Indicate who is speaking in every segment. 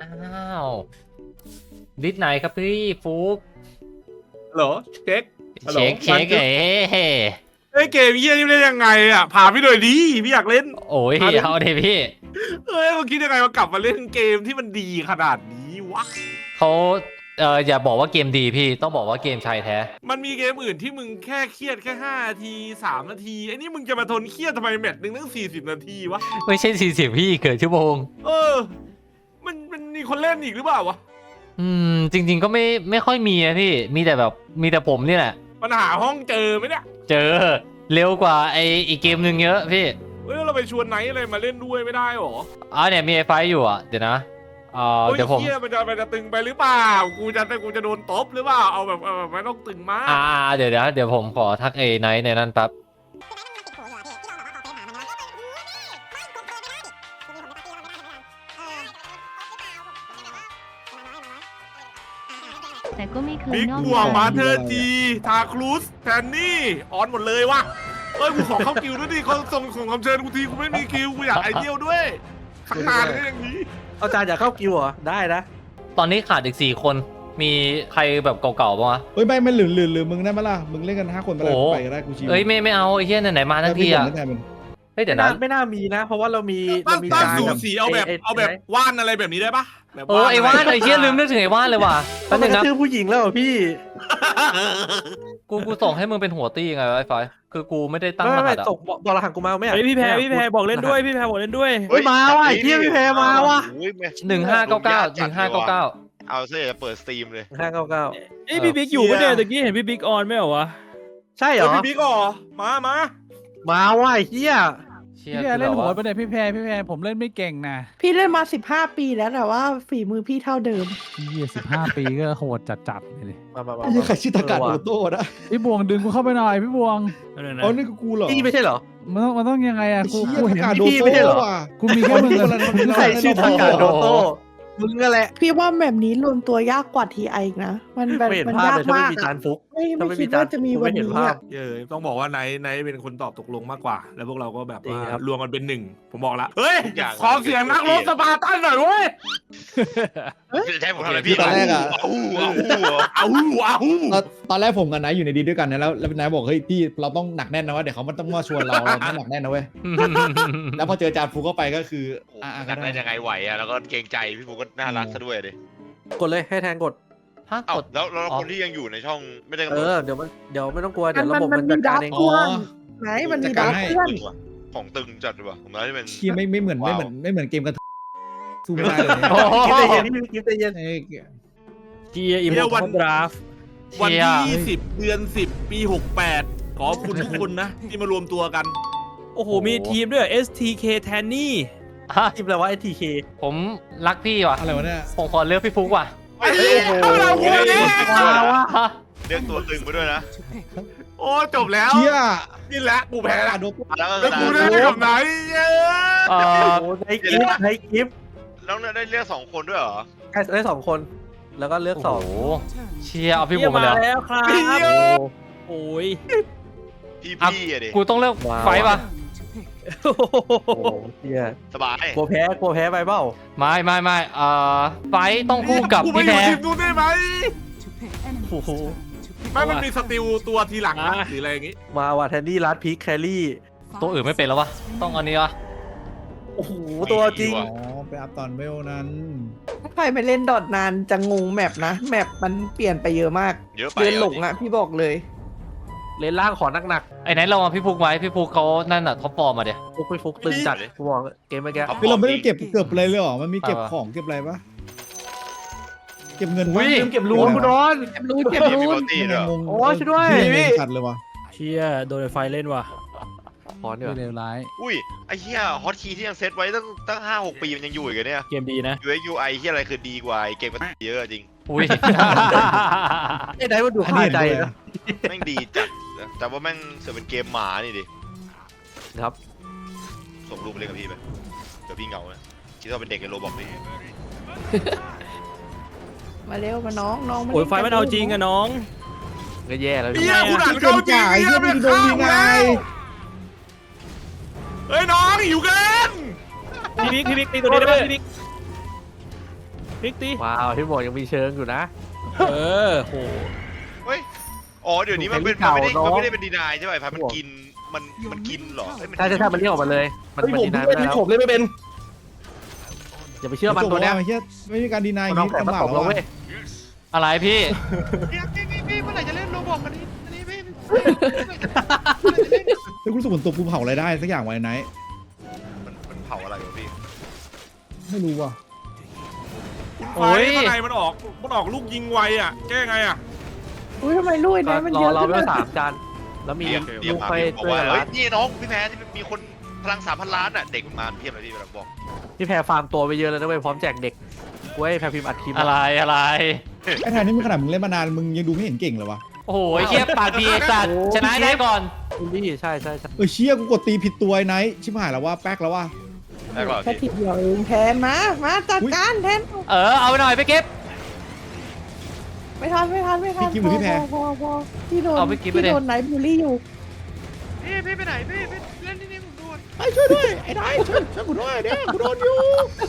Speaker 1: วดิสไหนครับพี่ฟุก
Speaker 2: ฮัลโหลเช็ค
Speaker 1: เช็ค
Speaker 2: เฮ้ยเกมเยี่ยนี่เล่นยังไงอ่ะพาพี่หน่อยดิพี่อยากเล่น
Speaker 1: โอ้ยเอาเดี๋ยวพี่
Speaker 2: เฮ้ยมึงคิดยังไงมากลับมาเล่นเกมที่มันดีขนาดนี้วะ
Speaker 1: เขาอย่าบอกว่าเกมดีพี่ต้องบอกว่าเกมชายแท้
Speaker 2: มันมีเกมอื่นที่มึงแค่เครียดแค่5 นาที3 นาทีไอ้นี่มึงจะมาทนเครียดทำไมแมตช์หนึ่งตั้ง40 นาทีวะ
Speaker 1: ไม่ใช่40พี่เกิดชั่วโมง
Speaker 2: มันมีคนเล่นอีกหรือเปล่าวะ
Speaker 1: จริงๆก็ไม่ค่อยมีนะพี่มีแต่แบบมีแต่ผมนี่แหละ
Speaker 2: มันหาห้องเจอไหมเนี่ย
Speaker 1: เจอเร็วกว่าอีกเกมหนึ่งเยอะพี่
Speaker 2: เฮ้ยเราไปชวนไนท์อะไรมาเล่นด้วยไม่ได้หรอ
Speaker 1: เนี่ยมีไอไฟอยู่อ่ะเดี๋ยวนะเดี๋ยวผม
Speaker 2: เฮียมันจะตึงไปหรือเปล่ากูจะโดนตบหรือเปล่าเอาแบบไม่ต้องตึงมาก
Speaker 1: เดี๋ยวผมขอทักไนท์ในนั้นแป๊บ
Speaker 3: แต่ก็ไม่เคย
Speaker 2: บิ๊ก
Speaker 3: นอก
Speaker 2: บัว
Speaker 3: ใจ
Speaker 2: มาเธอจีทาครูสแทนนี่ออนหมดเลยวะเฮ้ยกูขอเข้าคิวด้วยดิเขาส่งของคำเชิญกูทีกูไม่มีคิวกูอยากไอเดียวด้วยขนาดนี้อย่างนี้
Speaker 4: เอาจารย์อยากเข้ากิวเหรอได้นะ
Speaker 1: ตอนนี้ขาดอีก4 คนมีใครแบบเก่าๆบ้างวะ
Speaker 5: เฮ้ยไม่หรือมึงได้ไหมล่ะมึงเล่นกัน5 คนไปเลย
Speaker 1: โอ้
Speaker 5: ไปก็ได้กูชิว
Speaker 1: เอ้ยไม่เอาไอ้เหี้ยไหนๆมาทั้งทีอ่ะ
Speaker 5: ไม่ได้มึง
Speaker 1: เฮ้ยเดี๋ยวนะ
Speaker 4: ไม่น่ามีนะ เพราะว่าเรามี
Speaker 2: ตั้ง
Speaker 4: จาน
Speaker 2: สู
Speaker 4: กับ
Speaker 2: สีเอาแบบว่านอะไรแบบนี้ได้ปะแบบ
Speaker 1: ไอ้ว่านไอ้เหี้ยลืมนึกถึงไอ้ว่านเลยว่ะ
Speaker 4: ต้
Speaker 1: แป๊
Speaker 4: อบ ง
Speaker 1: นึง
Speaker 4: ก
Speaker 1: นะ
Speaker 4: ระทืบผู้หญิงแล้วเหรอพี่
Speaker 1: กูส่งให้มึงเป็นหัวตี้ยังไงวะไอ้ไฟคือกูไม่ได้ตั้งร
Speaker 4: ไม่
Speaker 1: หัสอ่ะ
Speaker 4: ตกบอกรหัสกูมาไม่
Speaker 6: เฮ้ยพี่แพรบอกเล่นด้วยพี่แพรบอกเล่นด้วย
Speaker 4: เฮ้ยมาว่ะไอ้เหี้ยพี่แพรมาว่ะ
Speaker 1: 1599
Speaker 7: เอาซะจะเปิดสตรีมเลย
Speaker 4: 599
Speaker 6: เอ้ยพี่บิ๊กอยู่ปะเนี่ยตะกี้เห็นพี่บิ๊กออนไม่เหรอวะ
Speaker 4: ใช่เหร
Speaker 2: เฮ้ย
Speaker 4: อ
Speaker 2: พี่บิ๊กอ๋อมา
Speaker 4: มาว่ะไอ้เหี้ย
Speaker 1: เชี่ย
Speaker 8: พี่แพรเล่นโหดปะเนี่ยพี่แพรผมเล่นไม่เก่งนะ
Speaker 9: พี่เล่นมา15 ปีแล้วแต่ว่าฝีมือพี่เท่าเดิม
Speaker 8: 15 ปีก็โหดจัดเลยดิ
Speaker 4: มา
Speaker 5: ไอ้ยังใครชื่อตากาโอโต้นะ
Speaker 8: พี่บวงดึงกูเข้าไปหน่อยพี่บวง
Speaker 6: นั่นนะ
Speaker 5: อ๋อนี่ก็กูเหรอ
Speaker 4: พี่ไม่ใช่เหรอ
Speaker 8: มันต้องยังไงอะ
Speaker 5: ไอ้
Speaker 8: กู
Speaker 5: เชี่ย
Speaker 8: เห็น
Speaker 5: ตากาโด
Speaker 4: พี่ไม่ใช่
Speaker 5: โต้
Speaker 4: เหรอ
Speaker 5: ว่ะ
Speaker 8: กูมีแค่มึง
Speaker 4: ใส่ชื่อทากาโดโต้มึงก็แหละ
Speaker 9: พี่ว่าแบบนี้รวมตัวยากกว่าทีไออีกนะ มันแบบ
Speaker 4: ไม่เห็น
Speaker 9: มัน
Speaker 4: ภาพ
Speaker 9: ยาก
Speaker 4: เลยถ้าไม่
Speaker 9: มาก
Speaker 4: มีจานฟุก
Speaker 9: ไม่
Speaker 4: ถ้าไม่มี
Speaker 9: คิดว่าจะมี
Speaker 4: จาน
Speaker 9: วัน
Speaker 4: ไม่เห็น
Speaker 9: นี้
Speaker 4: ภาพ
Speaker 9: อะ
Speaker 2: ต้องบอกว่าไนท์เป็นคนตอบตกลงมากกว่า แล้วพวกเราก็แบบ
Speaker 4: จริง
Speaker 2: ว่า
Speaker 4: ครับ
Speaker 2: รวมกันเป็นหนึ่งผมบอกละเฮ้ย
Speaker 7: ทุกอย่าง
Speaker 2: ขอเสียงนักรบสปาร์ตันหน่อยเว้ย
Speaker 7: จะให้ผมทำอะไร
Speaker 5: พี่
Speaker 7: พี่
Speaker 5: ตอนแรกอะ
Speaker 2: เอาหู
Speaker 5: ตอนแรกผมกับนายอยู่ในดีด้วยกันนะแล้วนายบอกเฮ้ยพี่เราต้องหนักแน่นนะว่าเดี๋ยวเขามันต้องมาชวนเราไม่หนักแน่นนะเว้ยแล้วพอเจอจานฟูเข้าไปก็คือ
Speaker 7: หนักได้ยังไงไหวอ่ะแล้วก็เกรงใจพี่ฟูก็น่ารักซะด้วยดิ
Speaker 4: กดเลยให้แทนกด
Speaker 1: ถ้า
Speaker 7: เอ้าก
Speaker 1: ด
Speaker 7: แล้วคนที่ยังอยู่ในช่องไม่ได้กำห
Speaker 4: เอน
Speaker 7: ด
Speaker 4: อเดี๋ยวไม่ต้องกลัวเดี๋ยวระบบ
Speaker 9: มั
Speaker 4: มัน น
Speaker 9: มี
Speaker 4: จัด
Speaker 9: ดั
Speaker 4: การ
Speaker 9: บ
Speaker 4: เอง
Speaker 9: เพื่อนไหนมันมีดับเพื่อน
Speaker 7: ตึงว่ะของตึงจัดว่ะผมน่าจะเป็น
Speaker 5: เชี่ยไม่เหมือนเกมกันสู้ไม่ได้เลย
Speaker 1: โอ้โห
Speaker 4: คิดใจเย็นพี่คิดใจเย็น
Speaker 6: เกียร์อิมมอร์ทัลดราฟ
Speaker 2: วัน
Speaker 1: เชี่ย
Speaker 2: ที่20 เดือน 10 ปี 68 ขอบคุณทุกคนนะ ที่มารวมตัวกัน
Speaker 6: โอ้โหมีทีมด้วย STK แทนนี่
Speaker 4: ทีมอะไรวะ STK
Speaker 1: ผมรักพี่ว่ะ
Speaker 5: อะไรวะเนี่ย
Speaker 1: ผมขอเลือกพี่ฟุกว่ะ
Speaker 2: ไอ้เหี้ยเอาเราโวยเนี่ย
Speaker 7: เรียกตัวตึงมาด้วยนะ
Speaker 2: โอ้จบแล้ว
Speaker 5: เชี่ย
Speaker 2: นี่แหละกูแพ้
Speaker 5: ตา
Speaker 2: ละ
Speaker 5: กาโดโต้
Speaker 7: แล้วก็
Speaker 2: แล้วกูได้กับไหนเย้
Speaker 1: เอ่อ
Speaker 4: โอ้ในคลิปในคลิป
Speaker 7: แล้วได้เรียก2 คนด้วยเหรอ
Speaker 4: ได้2 คน แล้วก็เลือก
Speaker 1: โอ้โหเชียร์เอาพี่
Speaker 6: เกี
Speaker 1: บุ๋
Speaker 6: ย
Speaker 1: ม
Speaker 6: ร์
Speaker 1: มา
Speaker 6: มา
Speaker 1: เลย
Speaker 6: แล้วครับ โอ้ย
Speaker 7: พี่อะดิ
Speaker 1: กูต้องเลือกไฟป่ะ
Speaker 4: 2โอ้โหเฮีย
Speaker 7: สบาย
Speaker 4: กลัวแพ้ไปเปล่า
Speaker 1: ไม่ไฟต้องคู่กับ
Speaker 2: กูไป
Speaker 1: พี่
Speaker 2: อยู่
Speaker 1: แพ้
Speaker 2: ทีมนู้นได้ไหม
Speaker 4: โอ้โห
Speaker 2: ไม่มันมีสติลตัวทีหลังนะหรืออะไรอย่างงี้
Speaker 4: มาว่ะแทนนี่ลัดพีคแครี่
Speaker 1: ตัวอื่นไม่เป็นแล้ววะต้องอันนี้วะ
Speaker 4: โอ้โหตัวจริง
Speaker 5: อ๋อไปอัพตอนเวลนั้น
Speaker 9: ถ้าใครไปเล่นดอทนานจะงงแมปนะแมปมันเปลี่ยนไปเยอะมาก
Speaker 7: เยอะไป
Speaker 9: เดินหลงอะพี่บอกเลย
Speaker 4: เลนล่างขอหนัก
Speaker 1: ไอ้ไหนเรามาพี่ฟุกไว้พี่ฟุกเขานั่นน่ะท็อปฟอร์มมาเดี๋ยว
Speaker 4: ๆฟุกตึงจัดกูบอกเกมเมื่อกี้
Speaker 5: คือเราไม่ได้เก็บเกือบอะไรเลยหรอมันมีเก็บของเก็บอะไรปะเก็บเงิน
Speaker 1: อุ้ย
Speaker 4: ลืมเก็บรูนกูโดน
Speaker 9: เก็บรูนเก็บ
Speaker 7: มี
Speaker 9: รู
Speaker 7: มี
Speaker 9: น
Speaker 7: บอตี้ด้วย
Speaker 5: งง
Speaker 4: โอ้ช่วยด้วย
Speaker 5: พี่ขัดเลยวะ
Speaker 6: เชียโดนไฟเล่นว่ะ
Speaker 4: ขอเนี่ย
Speaker 8: ไม่เลวร้าย
Speaker 7: อุ้ยไอ้เหี้ยฮอตคีย์ที่ยังเซตไว้ตั้ง5-6 ปีมันยังอยู่อีกเหรอเนี่ย
Speaker 6: เกมดีนะ
Speaker 7: UX UI ที่อะไรคือดีกว่าไอ้เกมมันเยอะจริง
Speaker 1: อุ้ย
Speaker 4: ไอ้ไหนมันดู
Speaker 5: อัน
Speaker 4: คา
Speaker 5: นี้เห็น
Speaker 4: ใจ
Speaker 5: ด้วย
Speaker 4: นะ
Speaker 7: แม่งดีจัดนะแต่ว่าแม่งเสือเป็นเกมหมานี่ดิ
Speaker 4: ครับ
Speaker 7: ส่งรูปไปเล่นกับพี่ไปเดี๋ยวพี่เหงานะคิดว่าเป็นเด็กในโรบอกนี่
Speaker 9: มาเร็วมาน้องมา
Speaker 6: โอ้ยไฟมันเอาจริงอะน้อง
Speaker 4: ก็แย่แล้ว
Speaker 2: เฮียคุณอ่านเข้าจริง
Speaker 5: ไอ้
Speaker 2: เฮี
Speaker 5: เหี้
Speaker 2: ย
Speaker 5: ย
Speaker 2: เป็
Speaker 5: ไม่
Speaker 2: น
Speaker 5: โดน
Speaker 2: ข้า
Speaker 5: ดี
Speaker 2: ว
Speaker 5: ไง
Speaker 2: แล้วเฮ้ยน้องหิวเกิน
Speaker 6: พี่บิ๊กตีตัวนี้ได้ไหมพี่บิ๊กพลิกตี
Speaker 4: ว้าวพี่บอกยังมีเชิงอยู่นะ
Speaker 6: เออโห
Speaker 7: เฮ้ยอ๋อเดี๋ยวนี้มันเป็น
Speaker 4: เก่า
Speaker 7: มัน
Speaker 4: เนอะ
Speaker 7: ไม่ได้เป็นดีนายใช่ไหมพันมันกินมันกินเหรอเอ้ยมัน
Speaker 4: ใช่ใช่ใช่มันเรียกออกมาเลย มันดีนายไม่ได้แล้ว
Speaker 2: ผมเล่นไม่เป็น
Speaker 4: อย่าไปเชื่อมันตัวเนี้ย
Speaker 5: ไม่เชื่อไม่มีการดีนายอ
Speaker 4: มัน
Speaker 5: ย่าง
Speaker 4: น้อง
Speaker 5: นี้
Speaker 4: แข็ง
Speaker 5: ลำบาก
Speaker 4: มาตบเรา
Speaker 5: แล้ว
Speaker 4: เว้ย
Speaker 1: อะไรพี่
Speaker 7: พี่เมื่อไหร่จะเล่นโรบอกอันนี้พี่
Speaker 5: แล้วกูรู้สึกเหมือนตัวกูเผาอะไรได้สักอย่างไว้ไหน
Speaker 7: มันเผาอะไรวะพี่
Speaker 5: ไม่รู้ว่ะ
Speaker 1: โอ้ย
Speaker 2: ข้างในมันออกลูกยิงไวอ่ะแก้ไงอ่ะ
Speaker 9: อุ้ยทำไมลุย
Speaker 4: ก็
Speaker 9: นะมัน
Speaker 4: ร
Speaker 9: เย
Speaker 4: อ
Speaker 9: อะ
Speaker 4: เรา
Speaker 9: ขึ้น
Speaker 4: เว
Speaker 9: เล
Speaker 4: ล
Speaker 9: ย
Speaker 4: 3 จานแล้วมี
Speaker 7: เดี๋ยว
Speaker 4: ลูก
Speaker 7: พา
Speaker 4: ไป
Speaker 7: พี่บอก
Speaker 4: ช่วย
Speaker 7: ว่า
Speaker 4: กัน
Speaker 7: เฮ้
Speaker 4: รั
Speaker 7: ย
Speaker 4: ด
Speaker 7: นี่น้องพี่แพ้ที่มีคนพลัง 3,000 ล้านอ่ะเด็กมันมาเพียบเลยพี่เราบอก
Speaker 4: พี่แพรฟาร์มตัวไปเยอะแล้วนะเว้ยพร้อมแจกเด็กเว้ยแพรพิมพ์อัดคลิป
Speaker 1: อะไรอะไร
Speaker 5: ไอ้แทนนี่มึงขนาดมึงเล่นมานานมึงยังดูไม่เห็นเก่งเลยวะ
Speaker 1: โอ้โหไอ้เหี้ยปากดีไอ้สัตว์ชนะได้ก่อน
Speaker 4: พี่ใช่ใช่ใช่
Speaker 5: เชี่ยกูกดตีผิดตัวไอ้ไนท์ชิบหายแล้วว่าแป๊กแล้วว่า
Speaker 7: ได้ก่อน
Speaker 9: แค่
Speaker 7: พี่
Speaker 9: ทีเดียวเองแทนมาจัดการแทน
Speaker 1: เอาไปหน่อยไปเก็บ
Speaker 9: ไม่ทันพอพี่โดน
Speaker 1: เอาไปกินไปดิ
Speaker 9: พี่โดนไหนบูลลี่อยู่
Speaker 7: พี่ไปไหนพี่เล่นที่นี่ผมโดน
Speaker 5: ไอ้ช่วยด้วยไอ้ไนท์ช่วยกูด้วยเนี่ยกูโดนอยู่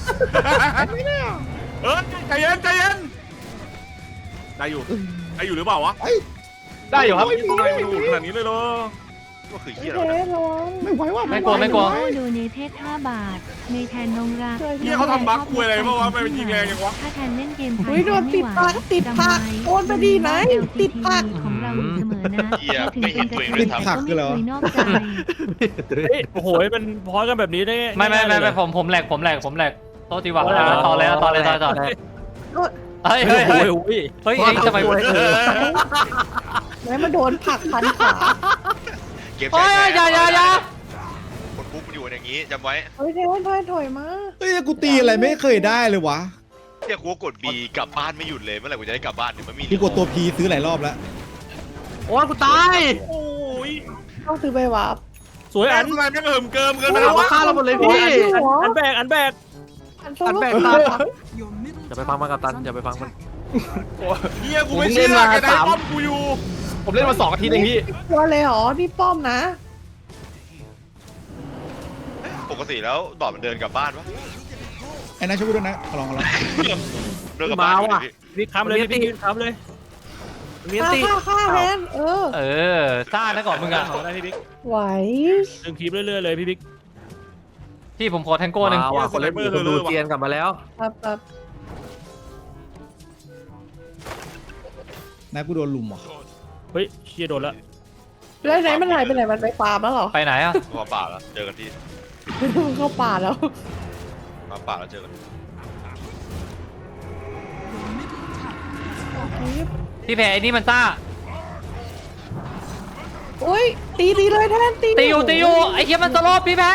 Speaker 2: ใจเย็นได้อยู่หรือเปล่าวะ
Speaker 4: ได้อยู่ครับ
Speaker 2: ทำไมมันดูขนาดนี้เลยเหรอ
Speaker 7: ก็คือ
Speaker 9: เท
Speaker 7: เหี้ยแล้วนะ
Speaker 9: นระวัง
Speaker 5: ไม่ไหวว่ะ
Speaker 1: ไม่กลัวไม่กลัว
Speaker 3: โดเนเทศ5 บาท ในแทนนงรัก
Speaker 2: เหี้ยเขาทำบั๊กคุยอะไรเพราะว่าไม่เป็นยิงแรงยังวะ
Speaker 3: ถ้าแทนเล่นเกมไท
Speaker 9: อุ้ยโดนติดปากติดปากโอนไปดีไหนติดปาก
Speaker 3: ของเราอยู่เสมอนะถึงเป็นกระเทยก็ไม่เคยนอกใจ
Speaker 6: เฮ้ยโอ้โหมันพอกันแบบนี้ได้
Speaker 1: ไม่ผมแหลกโทษทีว่ะต่อเลยเฮ้ย
Speaker 6: เฮ้
Speaker 1: เฮ้
Speaker 6: ย
Speaker 1: ย
Speaker 6: โอ้
Speaker 1: เฮ้ย
Speaker 6: ย
Speaker 1: เฮ้ยทำไม
Speaker 9: ไหนมาโดนผักพันขา
Speaker 7: เกม
Speaker 1: โอ้ยอย่า
Speaker 7: คนปุ๊บมันอยู่อย่างนี้จำไว้
Speaker 9: เฮ้ยเทนถอยมา
Speaker 5: เฮ้ยกูตีอะไรไม่เคยได้เลยวะ
Speaker 7: เรียกกูกด B กลับบ้านไม่หยุดเลยเมื่อไหร่กูจะได้กลับบ้านเนี่ยมันมี
Speaker 5: พี่กดตัว P ซื้อหลายรอบแล้ว
Speaker 4: โอ้ยกูตาย
Speaker 2: โอ้ย
Speaker 9: ต้องซื้อใบวาร์ป
Speaker 6: สวย
Speaker 2: แอ
Speaker 6: อั
Speaker 2: น
Speaker 6: น
Speaker 2: อะไรไม่เหิมเกิมเกินไป
Speaker 4: มัน
Speaker 2: แล้ว
Speaker 4: เอามาฆ่าเราหมดเลยพี่
Speaker 6: อันแบก
Speaker 9: อันโซ
Speaker 4: อัน
Speaker 9: โล่
Speaker 4: แบกตายอย่าไปฟังมันกับตันอย่าไปฟังมัน
Speaker 2: เฮียกูไม่เชื่อแกได้ป้อมกูอยู่
Speaker 4: ผมเล่นมา2 อาทิตย์เองพี่
Speaker 9: ตัวเลยเหรอนี่ป้อมนะ
Speaker 7: ปกติแล้วดอดมันเดินกลับบ้านปะ
Speaker 5: ไอ้นายช่วยกูด้วยนะขอลอง
Speaker 7: เดินกลับบ้านอยู่ดิพี่
Speaker 6: พี่ค้ำเลยพี่ค้ำเลย
Speaker 4: มีอันตี
Speaker 9: ฆ่าแทน
Speaker 1: ซ่านะก่อนมึงอะ
Speaker 6: ได้พี่บิ๊ก
Speaker 9: ไหว
Speaker 6: ดึงคลิปเรื่อยๆเลยพี่บิ๊ก
Speaker 1: พี่ผมขอแทงโก้หนึ่ง
Speaker 4: ว้าวคนเล่นคนดูเจียนกลับมาแล้ว
Speaker 9: ครับ
Speaker 5: นายกูโดนลุมว่ะ
Speaker 6: เฮ้ยเชียโดนละ
Speaker 9: แล้วไหนมันหายไปไหนมันไปฟาร์มแล้วเหรอ
Speaker 1: ไปไหนอะ
Speaker 7: พอป่าแล้วเจอกันที่
Speaker 9: มันเข้าป่าแล้ว
Speaker 7: มาป่าแล้วเจอกัน
Speaker 1: พี่แพ้ไอ้นี่มันซ่า
Speaker 9: โอ้ยตีเลยแทนตี
Speaker 1: ตีอยู่ไอ้เหี้ยมันสโลปพี่แพ้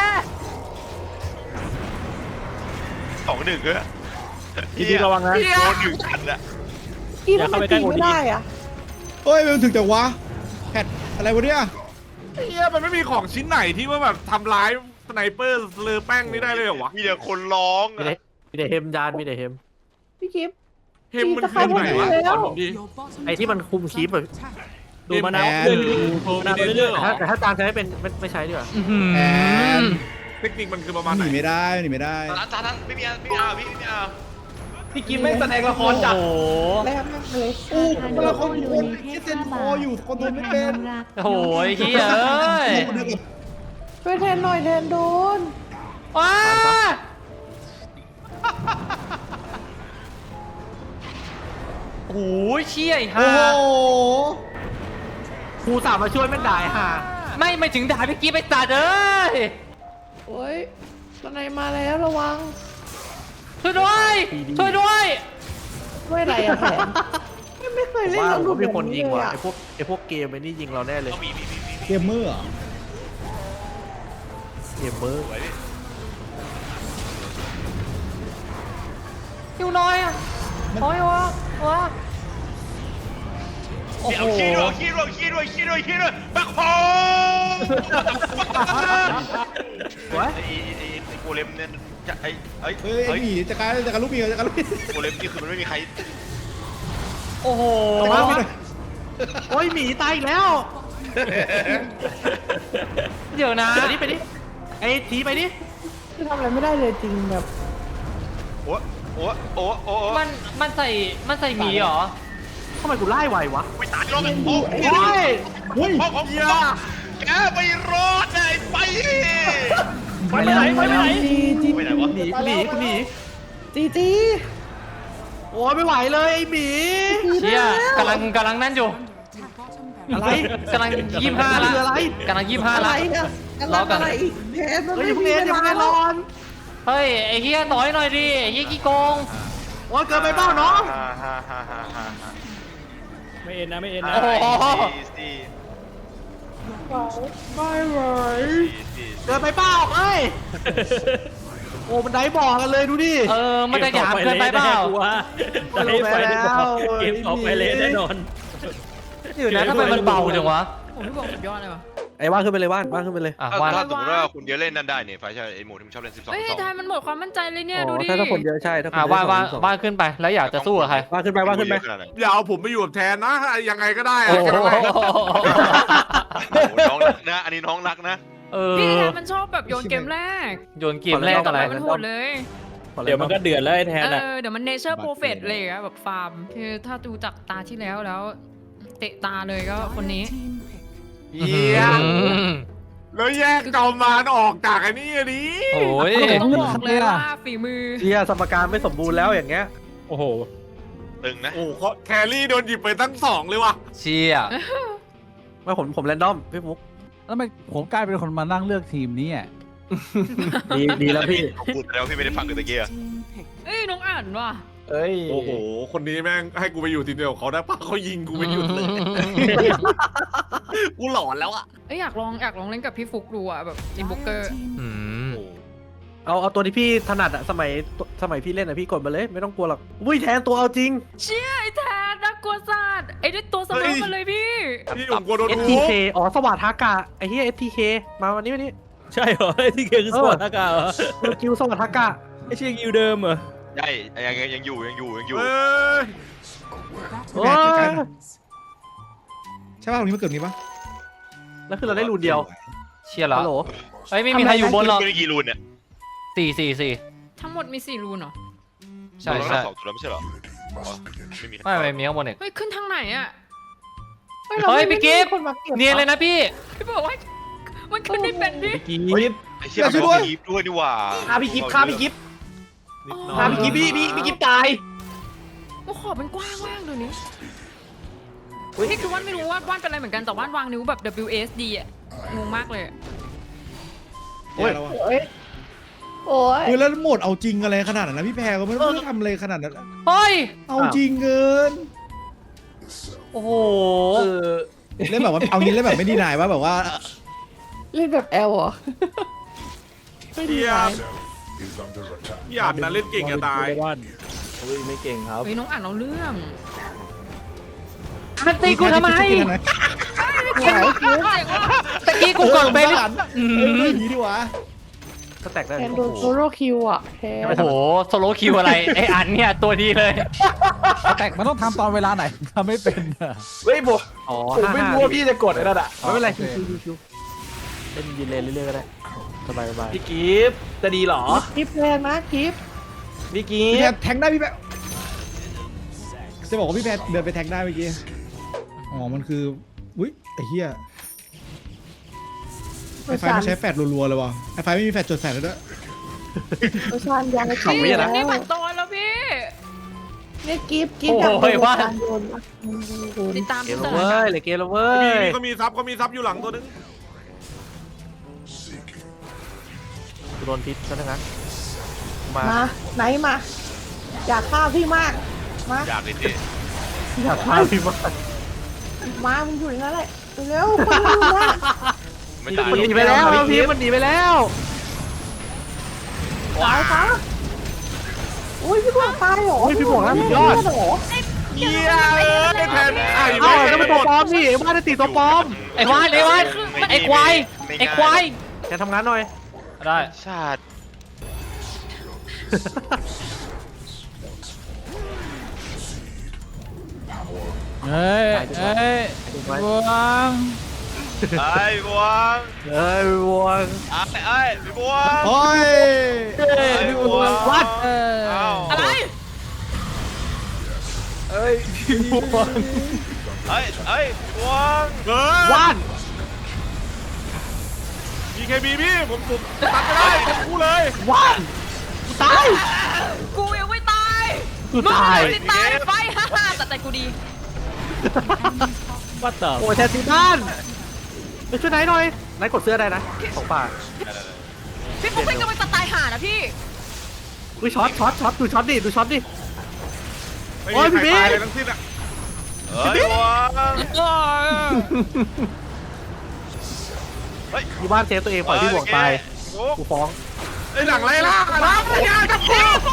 Speaker 7: 2-1เฮ้ย
Speaker 6: พี่บิ๊กระวังนะ
Speaker 7: โดน1กันละ
Speaker 9: ตีมันตีไม่ได้อะ
Speaker 5: เฮ้ยมันถึงแต่วะแพทอะไรวะเนี่ย
Speaker 2: เฮียมันไม่มีของชิ้นไหนที่ว่าแบบทำร้ายสไนเปอร์เลอแป้งนี่ได้เลยเหรอวะ
Speaker 7: มีแต่คนร้อง
Speaker 4: มีแต่เฮมจานมีแต่เฮม
Speaker 9: พี่กิฟต์
Speaker 2: เฮมมันคือไหนวะสอนผมดิ
Speaker 4: ไอ้ที่มันคุมคลิปอะ
Speaker 6: ดูมะนาวเรื่อยๆมะนาวเรื่อย
Speaker 4: แต่ถ้าจานใช้เป็นไม่ใช้ดีกว่า
Speaker 5: แอน
Speaker 2: เทคนิคมันคือประมาณ
Speaker 5: ห
Speaker 2: ไหน
Speaker 5: นีไม่ได้หนีไม่ได้
Speaker 7: จานนั้นไม่มีเอาพี่ไม่เอา
Speaker 4: พี่กิฟไม่แสดงละครจัด
Speaker 1: โอ้โห
Speaker 9: แล้วมันเลย
Speaker 5: อู้
Speaker 3: ทาน
Speaker 5: เวลาคน
Speaker 3: โด
Speaker 5: คน
Speaker 3: เนเท
Speaker 5: ที่
Speaker 3: ศ
Speaker 5: เซ็น
Speaker 3: 5
Speaker 5: ค
Speaker 3: บา
Speaker 5: อ
Speaker 3: ท
Speaker 5: อยู่คนโดนไม่
Speaker 3: ในแท
Speaker 5: เป็น
Speaker 3: นนงรัก
Speaker 1: โอ้โหไอ้เหี้ยเอ้ย
Speaker 9: ช่วยแทนหน่อยแทนโดน
Speaker 1: ว้าโอ้โหเชี่ยไอ้
Speaker 5: โอ้
Speaker 1: ห่า
Speaker 5: โห
Speaker 4: ครูสามมาช่วยไม่ได้ค่ะ
Speaker 1: ไม่ถึงด่าพี่กี้ไปตัดเอ้ย
Speaker 9: โอ้ยตอนไหนมาแล้วระวัง
Speaker 1: ช่วยด้วยช่วยด้วย
Speaker 9: ด้วยอะไรอะแทนไม่เคยเล่น
Speaker 4: ว่า
Speaker 9: แล้ว
Speaker 4: ผม
Speaker 9: ดู
Speaker 4: ว่ามีคน
Speaker 9: แบบ
Speaker 4: ยิง
Speaker 9: เล
Speaker 4: ว่ะ
Speaker 9: อะ
Speaker 4: ไอพวกเกมไอ้นี่ยิงเราแน่เลย
Speaker 7: มี
Speaker 5: เกมเมอร์เหรอ
Speaker 4: เกมเมอร์
Speaker 7: ไว้ดิ
Speaker 1: อยู่น้อยอ่ะโอ้ยวะโอ้โห
Speaker 7: เอาขี้ด้วยบักโฮไอ้โกเลมเนี่ยจะไอ้
Speaker 5: เฮ้ยหนีจักรลูกเมียจักรลูกเมีย
Speaker 7: โกเลมนี่คือมันไม่มีใคร
Speaker 1: โอ้โห
Speaker 5: จักรลูกเมีย
Speaker 4: โอ้ยหมีตายอีกแล้ว
Speaker 1: เดี๋ยวนะ
Speaker 4: ไปดิไอ้ทีไปดิ
Speaker 9: คือทำอะไรไม่ได้เลยจริงแบบ
Speaker 7: โอ้โอ้โอ้โอ้
Speaker 1: มันใส่หมีเหรอ
Speaker 4: ทำไมกูไล่ไววะ
Speaker 7: ไปตายรอบกันโอ้
Speaker 4: โอ้ย
Speaker 5: เฮ้ย
Speaker 7: พ่อของแกไปรอดได้ไป
Speaker 6: ไปไหนไปไหน
Speaker 7: ไปไหนวะ
Speaker 4: หนีกูหนี
Speaker 9: จีจี
Speaker 4: โอ้ยไม่ไหวเลยไอ้หมี
Speaker 1: เชี่ยกำลังนั่นอยู่
Speaker 4: อะไร
Speaker 1: กำลัง25ละ
Speaker 4: คืออะไร
Speaker 1: กำลัง25
Speaker 9: อะไร
Speaker 1: ละ
Speaker 9: อะกำลังอะไรอีกแทนมัน
Speaker 4: เฮ้ย
Speaker 9: ไม่
Speaker 4: อย่าเพิ่ง
Speaker 9: มี
Speaker 4: เล่น
Speaker 9: เว
Speaker 4: อย่า
Speaker 9: ลา
Speaker 4: เพิ่งเล่นร้อน
Speaker 1: เฮ้ยไอ้เฮียต่อยหน่อยดิไอ้เฮียขี้โกง
Speaker 4: โอ้ยเกินไปเปล่าน้อง
Speaker 6: ไม่เอ็นนะไม่เอ็นนะ
Speaker 1: โอ้โห
Speaker 9: ไม่ไหว
Speaker 4: เกินไปเปล่าเอ้ยโอ้มันได้บอกกันเลยดูดิ
Speaker 1: มันจะหยาบเกินไปเปล่า
Speaker 6: ได้ไปแล้วเกมออกไปเลยแน่นอน
Speaker 1: เดี๋ยวนะทำไมมันเบาจังวะ
Speaker 10: ผมพี่บอกสุดยอดเลยว่ะ
Speaker 4: ไอ้ว่านขึ้นไปเลยว่านขึ้นไปเลย
Speaker 1: อ่ะ
Speaker 7: ถ้า
Speaker 1: ว่า
Speaker 7: สมมติว่าคุณเดียวเล่นนั่นได้เนี่ยไฟใช่ไอ้หมูที่มึงชอบเล่น12
Speaker 10: เฮ้ยทายมันหมดความมั่นใจเลยเนี่ยดูดิ
Speaker 4: ถ้าคนเยอะใช่ถ้าคน
Speaker 1: ว่า
Speaker 4: เยอะ
Speaker 1: ว่าขึ้นไปแล้วอยากจะสู้กับใคร
Speaker 4: ว่าขึ้นไปว่าขึ้นไป
Speaker 2: อย่าเอาผมไปอยู่กับแทนนะยังไงก็ได้อะ
Speaker 1: โอ้โห
Speaker 7: น้องรักนะอันนี้น้องรักนะ
Speaker 10: พี่แทนมันชอบแบบโยนเกมแรก
Speaker 1: โยนเกมแรกอะไร
Speaker 10: มันโหดเลย
Speaker 6: เดี๋ยวมันก็เดือดแล้วไอ้แทนอ่ะ
Speaker 10: เดี๋ยวมันเนเจอร์โปรเฟตเลยอะแบบฟาร์มคือถ้าดูจากตาที่แล้วเตะตาเลยก็คนนี้
Speaker 2: เยี่ยมแล้วแยกเกามานออกจากไอ้นี่ดิ
Speaker 1: โอ้ย
Speaker 10: ต้องบอกเลยว่าฝีมือ
Speaker 4: เชียร์สมการไม่สมบูรณ์แล้วอย่างเงี้ย
Speaker 6: โอ้โห
Speaker 7: ตึงนะ
Speaker 2: โอ้โหแครี่โดนหยิบไปตั้ง2เลยว่ะ
Speaker 1: เชี่ย
Speaker 4: ไม่ผมแรนดอมพี่มุก
Speaker 8: แล้วทำไมผมกลายเป็นคนมานั่งเลือกทีมนี้อ่ะ
Speaker 4: ดีแล้วพี่
Speaker 7: พูดแล้วพี่ไม่ได้ฟังกันตะเกีย
Speaker 10: เอ้ยน้องอ่านว่ะ
Speaker 4: เอ้ย
Speaker 2: โอ้โหคนนี้แม่งให้กูไปอยู่ทีมเดียวกับเขาได้ปะเขายิงกูไม่หยุดเลยกูหลอนแล้วอะ
Speaker 10: เอ้ยอยากลองเล่นกับพี่ฟุกดูอะแบบอินบุกเกอร์
Speaker 1: อืม
Speaker 4: เอาตัวที่พี่ถนัดอะสมัยพี่เล่นอะพี่กดมาเลยไม่ต้องกลัวหรอกอุ้ยแทนตัวเอาจริง
Speaker 10: เชี่ยไอ้แทนน่ากลัวสัตว์ไอ้ด้วยตัวเสมอมาเลยพี่
Speaker 2: พี่ผมกลัวโดนทุบ
Speaker 4: STK อ๋อสวัสดทากะไอ้เหี้ย STK มาวันนี้
Speaker 6: ใช่เหรอไอ้ที่เกมคือสปอร์ตอากาศเหรอ
Speaker 4: คิวสวัสดทากะ
Speaker 6: ไอ้เชียงยูเดิมเหรอ
Speaker 7: ใช่ยังอยู่
Speaker 2: เอ้ย
Speaker 4: โอ้
Speaker 5: แบ
Speaker 4: ย
Speaker 5: กใกล้ๆใช่ป่ะตรงนี้มันเกิดนี้ป่ะ
Speaker 4: แล้วคือเราได้รูนเดียว
Speaker 1: เชี่ยแล้ว
Speaker 4: ฮัลโหล
Speaker 1: เฮ้ยไม่มีใครอยู่บนหรอก
Speaker 7: ไม่ได้กี่รูนเนี่ย
Speaker 1: 4
Speaker 10: ทั้งหมดมี4รูนเหรอ
Speaker 1: ใช่ใช่
Speaker 7: 2ตัวแล้วไม่ใช่เหรอไม่มี
Speaker 1: ไม่มีข้างบนอีก
Speaker 10: เฮ้ยขึ้นทางไหนอะ
Speaker 1: เฮ้ยพี่กิฟต์
Speaker 9: คนมาเก็บ
Speaker 1: เนียนเลยนะพี่
Speaker 10: พี่บอกว่ามันขึ้นไม่เป็นดิ
Speaker 4: กี
Speaker 7: ไอ้เชี่ยมันมีกีฟด้วยนี่หว่า
Speaker 4: ฆ่าพี่กิฟฆ่าพี่กิฟ
Speaker 2: นิดหน่อย
Speaker 4: ฆ่าพี่กิฟพี่กิฟตาย
Speaker 10: โอ้ขอบมันกว้างมากเดี๋ยวนี้นี่คือว่านไม่รู้ว่าว่านเป็นอะไรเหมือนกันแต่ว่านวางนิ้วแบบ WSD อะงงมากเลยอะ
Speaker 5: โอ้ยแล้วอะ
Speaker 9: โอ้ยโอ้ย
Speaker 5: เฮ้ยแล้วโหมดเอาจริงอะไรขนาดนั้นนะพี่แพรก็ไม่ได้ทำอะไรขนาดนั้น
Speaker 1: เฮ้ย
Speaker 5: เอาจริงเกิน
Speaker 1: โอ้โห
Speaker 5: เล่นแบบว่าเอางี้เล่นแบบไม่ดีนายว่าแบบว่า
Speaker 9: เล่นแบบแอลเหรอไม่ดี
Speaker 2: เยี่ย
Speaker 9: ไหม
Speaker 2: มเยี่ยมนะเล่นเก่งจะตาย
Speaker 6: บ้าน
Speaker 4: โอ้ยไม่เก่งครับ
Speaker 10: เฮ้ยน้องอ่านเราเรื่อง
Speaker 1: มันตีกูทำไม
Speaker 10: เจ๋งว่ะ
Speaker 1: ตะกี้กูกดไป
Speaker 5: อืมอย่างนี้ดีวะ
Speaker 4: ก็แตกได้
Speaker 9: แทนโดนโซโล่คิวอ่ะแทน
Speaker 1: โอ้โหโซโลคิวอะไรไออันเนี่ยตัวดีเลย
Speaker 8: แต่มันต้องทำตอนเวลาไหนทำไม่เป็นอะ
Speaker 4: เฮ้ยบอกผมไม่รู้ว่าพี่จะกดไอ้นั่นอะไม่เป็นไรคิวเล่นยืนเลนเรื่อยๆก็ได้สบายพี่กิฟจะดีหรอ
Speaker 9: กิฟแรงนะกิฟ
Speaker 4: พี่กิ
Speaker 5: พี่แพร
Speaker 4: ฟ
Speaker 5: แทงได้พี่แพรจะบอกว่าพี่แพรเดินไปแทงได้เมื่อกี้อ๋อมันคืออุ้ยไอ้เหี้ยไอ้ไฟมันใช้แฟดรัวๆเลยว่ะไอ้ไฟไม่มีแฟดจดแฟดแล้วด้วย
Speaker 9: โอชานยัง
Speaker 4: เขาไม่นะ
Speaker 10: นี่มันโตแล้วพี่
Speaker 9: เนี่ยกิฟ
Speaker 1: โอ้โหว่า
Speaker 9: โยนโยน
Speaker 10: ติดตาม
Speaker 4: เก
Speaker 10: พี่
Speaker 4: ม
Speaker 10: เตอ
Speaker 4: เว้
Speaker 10: ร์
Speaker 4: ยเลยเกมแล้วเว้
Speaker 2: มี
Speaker 4: ย
Speaker 2: ก็มีซับอยู่หลังตัวนึง
Speaker 4: โดนพิษซะทั้งนั้นมา
Speaker 9: มาไหนมา อยากฆ่าพี่มากมา
Speaker 7: อยากเลยดิ
Speaker 4: อยากฆ่าพี่มาก
Speaker 9: มามึงอยู่ในนั้นแหละเร็วๆคนอยู่นะ
Speaker 7: ไม่ตาย
Speaker 4: มันหนีไปแล้วพี่มันหนีไปแล้ว
Speaker 9: ตายคะอุ้ยพี่บวกตายเหรอ
Speaker 4: พี่บอกแล้วสุดยอด
Speaker 9: เหรอ
Speaker 2: เยี่ยมไอ้แทนไอ้
Speaker 4: เอ้า
Speaker 2: แม่
Speaker 4: แล้วมันตัวปลอมนี่ไอ้บ้านได้ตีตัวปลอม
Speaker 1: ไอ้วานไอ้ควายไอ้ควาย
Speaker 4: แกทำงานหน่อย
Speaker 1: ได้
Speaker 7: ชาติ
Speaker 8: เฮ้ยเฮ้ยบวง
Speaker 7: ไอ้บวง
Speaker 4: เอ้ยบวง
Speaker 7: ไอ้พี่บวง
Speaker 5: โอ้ย
Speaker 7: ไอ้บวง
Speaker 4: วัด
Speaker 10: อะไร
Speaker 4: เอ้ยพี่บวง
Speaker 7: ไอ้พี่บวง
Speaker 4: วัด
Speaker 2: BKB พี่ผมตัดไม่ได้ผมคู่เลย
Speaker 4: วัดตาย
Speaker 10: กูยังไม่ตาย
Speaker 4: กูตาย
Speaker 10: มึงตายไปฮ่าแต่ใจกูดี
Speaker 6: ว่าต่อ
Speaker 4: โอ้ยแทนซีบ้านไปช่วยไหนหน่อยไหนกดเสื้อได้นะของป่า
Speaker 10: พี่ปุ๊กเป็นกำลังจะตายห่านะพี่
Speaker 4: อุ้ยช็อตดูช็อตดิ
Speaker 2: ไม่
Speaker 4: โอ้ย
Speaker 2: มี
Speaker 4: พี่
Speaker 2: ใคร
Speaker 4: บิ๊ก
Speaker 2: ตายเลยทั้งสิ้นอะ
Speaker 7: ไอ้บวง
Speaker 4: อยู่บ้านเซฟตัวเองปล่อยพี่บวงตายกูฟ้อง
Speaker 2: ไอ้หลังไรล่ะนะอย่าจับกู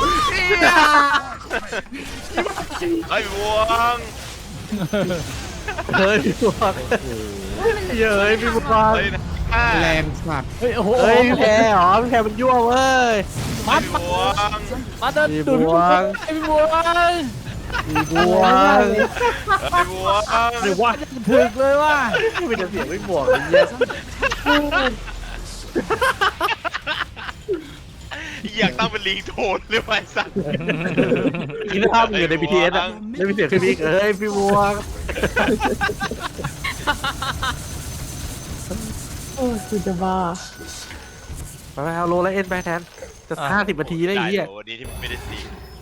Speaker 7: ไอ้บวง
Speaker 4: เฮ้ยพี่บวงเย้ยพี่บวง
Speaker 7: เฮ้ยนะ
Speaker 5: แรงสัตว์
Speaker 6: เฮ้ยโอ้โห
Speaker 4: เฮ้ยแพ้เหรอแพ้มันยั่วเว้ย
Speaker 7: ไอ้บวง
Speaker 6: มาเดิน
Speaker 4: พี่
Speaker 6: ดูด
Speaker 4: บวง
Speaker 6: ไอ้พี่บัว
Speaker 4: พี่บวง
Speaker 7: ไอ้บวง
Speaker 6: หรือว่าถึกเลยว่ะ
Speaker 4: ไม่เป็นเสียงไม่บวงเลยเนี่ย
Speaker 7: อยากตั้งเป็นลิงโทนเลยไอ้สัส
Speaker 4: กินภาพอยู่ใน BTS อ่ะไม่มีเสียงขึ้นอีกเอ้ยพี่บวง
Speaker 9: โอ้ยกูจะบ้า
Speaker 4: ไปเอาโลแล้วเอ็นไปแทนจะ50 นาทีได้อีก
Speaker 7: โอ้วันนี้ที่ไม่ได้ตี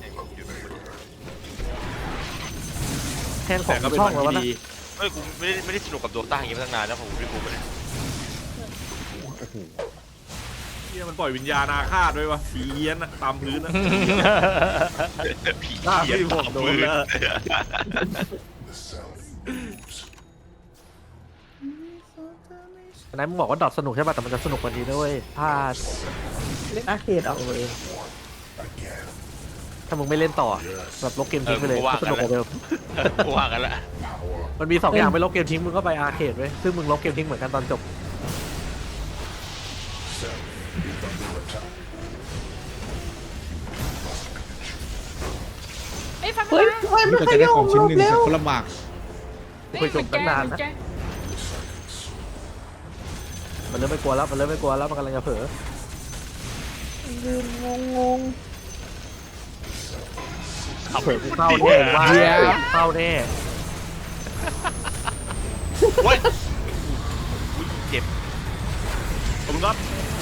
Speaker 4: แทนของช่องแล้วนะ
Speaker 7: เฮ้ยกูไม่ได้สนุกกับโดต้าอย่างงี้มาตั้งนานแล้วผมไม่รู้ไปเลย
Speaker 2: เฮียมันปล่อยวิญญาณอาฆาตด้วยวะผีเฮี้ยนอะตามพื้นอะ
Speaker 7: ผีเหี้ยตามมือ
Speaker 4: อันนั้นมึงบอกว่าดอทสนุกใช่ป่ะแต่มันจะสนุกกว่านี้ด้วยถ้า
Speaker 9: เล่นอาร์เคดเอาเลย
Speaker 4: ถ้ามึงไม่เล่นต่อแบบลบเกมทิ้งไปเลยสนุกกว่าเดิม
Speaker 7: กูว่ากันละ
Speaker 4: มันมี2 อย่างไปลบเกมทิ้งมึงก็ไปอาร์เคดไว้ซึ่งมึงลบเกมทิ้งเหมือนกันตอนจบ
Speaker 10: ไอ้ฟัง
Speaker 9: เฮ้ยเฮ้ย
Speaker 5: นี่
Speaker 9: มัน
Speaker 5: ก็
Speaker 9: ข
Speaker 5: จะได้
Speaker 9: ยับ
Speaker 5: ของชิ้นหนึ่ง
Speaker 9: เร็ว
Speaker 5: คนละหมาก
Speaker 4: คุยจบตั้งนานนะ มันเริ่มไม่กลัวแล้วมันกำลังจะเผลอ
Speaker 9: ยืนงง
Speaker 4: เผลอกูเข้าแน่ว่าเข้าแน่
Speaker 7: เว้ยเจ็บ
Speaker 2: ผมครับ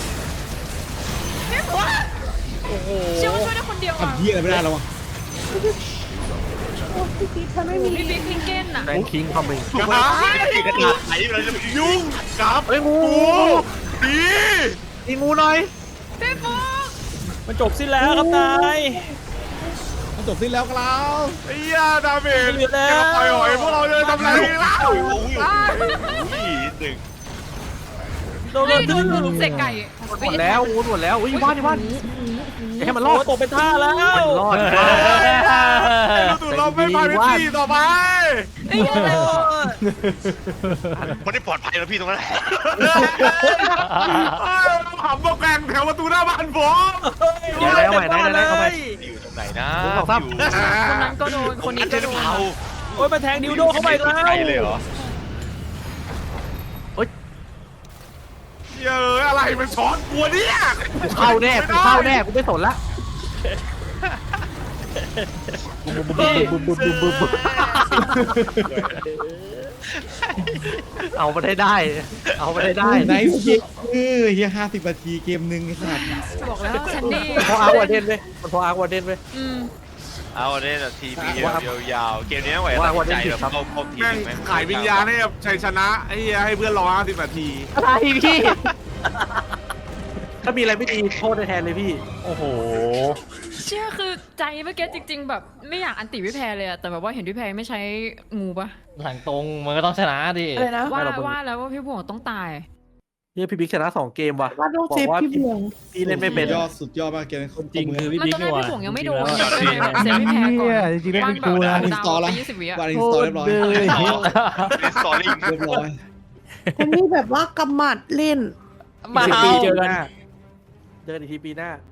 Speaker 10: พี่ปุ๊กเชื่อว่าช่วยได้คนเดียวอ่ะ
Speaker 5: ทำเหี้ยอะไรไม่ได้แล้ววะ
Speaker 9: ๆโอ้ยพี่กิ๊ฟฉันไม่มี
Speaker 10: พี่บิ๊กพิงเก้นอ่ะ
Speaker 4: แรงคิงคอมมิง
Speaker 7: กระดาษไหนเราจะยุ่ง
Speaker 2: กับ
Speaker 4: เฮ้ยงู
Speaker 2: ผี
Speaker 4: ตีงูหน่อย
Speaker 10: พี่ปุ๊ก
Speaker 6: มันจบสิ้นแล้วครับนาย
Speaker 5: มันจบสิ้นแล้วครับ
Speaker 2: ไอ้เหี้ยดาเมจจะปล่อยหอยพวกเราเลยทำอะไรกันแล้ว
Speaker 7: อุ้ยหนึ่ง
Speaker 6: โดน
Speaker 10: เฮ้ย
Speaker 6: ดึง
Speaker 10: ดูเสกไก่
Speaker 4: หมดแล้วงูหมดแล้วอุ้ยบ้านให้มันรอ
Speaker 6: โอ้
Speaker 4: ด
Speaker 6: ตกเป็นท่าแล้ว
Speaker 4: มันรอด
Speaker 2: ไอ้ลูกตู่เราไม่ไปเป็นที่ต่อไป
Speaker 10: ไอ้เหี้ยอะไรวะ
Speaker 7: คนที่ปลอดภัยแล้วพี่ตรงนั้น
Speaker 2: ขำบอกแกงแถวประตูหน้าบ้านผม
Speaker 4: เดี๋ยวแล้วใหม่ได้เอาใหม่
Speaker 7: อยู่ตรงไหนนะ
Speaker 10: คนนั้นก็โดนคนนี้ก็โดน
Speaker 7: เผา
Speaker 6: โอ้ยมาแทงดิวโดเข้าไปแล้ว
Speaker 7: เลยเหรอ
Speaker 2: เยอะอะไรมันช้อนกลัวเนี่ย
Speaker 4: กูเข้าแน่กูไม่สนละเอาไปได้
Speaker 5: ไนท์เกมเฮีย50 นาทีเกมหนึ่งไอ้สัตว์
Speaker 10: บอกแล้วฉันนี่
Speaker 4: พออาร์วาเดนเว้ยมันพออาร์วาเดนเว้ย
Speaker 7: เอาเนี่ยทีพียาวๆเกมนี้ไหวตัดใจแบบเข้าที
Speaker 2: แม่งขายวิญญาณให้กับชัยชนะไอ้เหี้ยให้เพื่อนรอ50 นาที
Speaker 4: อะไรพี่ถ้ามีอะไรไม่ดีโทษในแทนเลยพี่
Speaker 6: โอ้โห
Speaker 10: เชื่อคือใจเมื่อกี้จริง ๆ แบบไม่อยากอันติพี่แพรเลยอะแต่แบบว่าเห็นพี่แพรไม่ใช้งูปะ
Speaker 1: หลังตรงมันก็ต้องชนะดิ
Speaker 9: อะไรนะ
Speaker 10: ว่าแล้วว่าพี่บวงต้องตาย
Speaker 4: เนี่ยพี่บิ๊กชนะ2 เกมว่ะ
Speaker 9: ว่าต้องเซฟพี่บวง
Speaker 4: พี่เล่นไม่เป็น
Speaker 5: สุดยอดมากเกมนี้
Speaker 6: จริงคือพี่
Speaker 10: มัน
Speaker 6: บิ๊ก
Speaker 10: ตอนแร
Speaker 6: นี่
Speaker 10: ก
Speaker 6: หว่า
Speaker 10: พี่บวงยังไม่โดน
Speaker 6: จริง
Speaker 10: เลยแบบเซฟพี่แพรก่อน
Speaker 8: จริงๆแล้วเป็นกูนะ
Speaker 10: ดาวไป20 วิอะ
Speaker 5: วารินสตอร์เรียบร้อย
Speaker 7: สตอรี่
Speaker 5: เรียบร้อย
Speaker 9: คนนี้แบบว่ากำหมัดเล่น
Speaker 1: มา
Speaker 4: 10
Speaker 1: เอา
Speaker 4: ปีเจอกันอีกทีปีหน้า